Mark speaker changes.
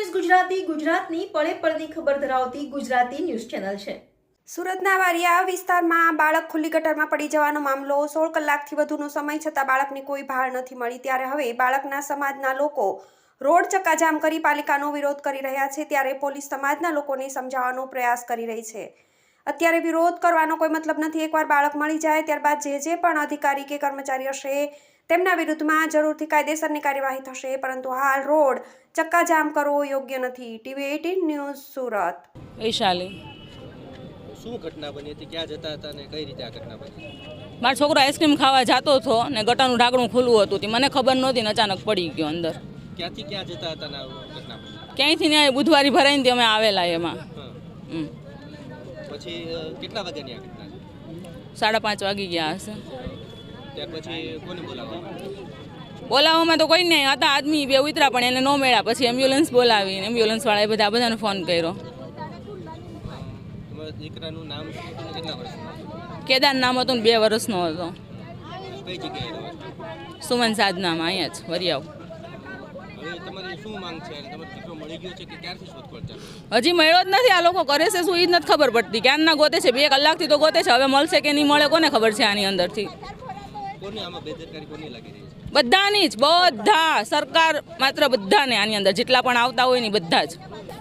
Speaker 1: News Gujarati ગુજરાતની પળે પળની ખબર ધરાવતી ગુજરાતી ન્યૂઝ ચેનલ છે।
Speaker 2: સુરતના વારિયા વિસ્તારમાં બાળક ખુલ્લી ગટરમાં પડી જવાનો મામલો 16 કલાકથી વધુનો સમય છતાં બાળકની કોઈ ભાળ નથી મળી। ત્યારે હવે બાળકના સમાજના લોકો રોડ ચક્કાજામ કરી પાલિકાનો વિરોધ કરી રહ્યા છે। ત્યારે પોલીસ સમાજના લોકોને સમજાવવાનો પ્રયાસ કરી રહી છે। અત્યારે વિરોધ કરવાનો કોઈ મતલબ નથી। એકવાર બાળક મળી જાય ત્યારબાદ જે પણ અધિકારી કે કર્મચારી હશે તેમના વિરુદ્ધમાં જરૂરથી કાયદેસરની કાર્યવાહી થશે, પરંતુ હાલ રોડ ચક્કાજામ કરવો યોગ્ય નથી। TV 18 news Surat.
Speaker 3: વૈશાલી
Speaker 4: શું ઘટના બની હતી? ક્યાં જતા હતા અને કઈ રીતે આ ઘટના બની?
Speaker 3: મારો છોકરો આઈસ્ક્રીમ ખાવા જતો હતો ને ગટાનું ઢાંકણું ખુલ્લું હતું તે મને ખબર નહોતી ને અચાનક પડી ગયો અંદર।
Speaker 4: ક્યાંથી ક્યાં જતા હતા ને આ ઘટના બની?
Speaker 3: ક્યાંયથી ને બુધવારી ભરાઈને અમે આવેલા એમાં।
Speaker 4: પછી કેટલા વાગ્યાની આ ઘટના છે?
Speaker 3: 5:30 વાગી ગયા હશે।
Speaker 4: ત્યાર પછી કોને
Speaker 3: બોલાવવામાં તો કોઈ નહીં હતા, આદમી બે ઉતરા પણ એને ન મળ્યા। પછી એમ્બ્યુલન્સ બોલાવી, એમ્બ્યુલન્સવાળાએ બધાને ફોન કર્યો।
Speaker 4: તમારા દીકરાનું નામ શું હતું? કેટલા વર્ષનું?
Speaker 3: કેદાર નામ હતું ને 2 વર્ષનો હતો।
Speaker 4: કઈ જગ્યાએ રહો છો?
Speaker 3: સુમન સાધનામાં અહીંયા જ વરિયાવ।
Speaker 4: હવે તમારી શું માંગ છે? અને તમારો દીકરો મળી ગયો છે કે ક્યારથી શોધખોળ ચાલુ?
Speaker 3: હજી મળ્યો જ નથી। આ લોકો કરે છે શું એ જ નથી ખબર પડતી। ક્યારના ગોતે છે, 2 કલાકથી તો ગોતે છે। હવે મળશે કે નહીં મળે કોને ખબર છે આની અંદરથી।
Speaker 4: કોની આમાં બેદરકારી કોની લાગી રહી છે?
Speaker 3: બધાની જ, બધા સરકાર માત્ર બધાને આની અંદર જેટલા પણ આવતા હોય ને બધા જ।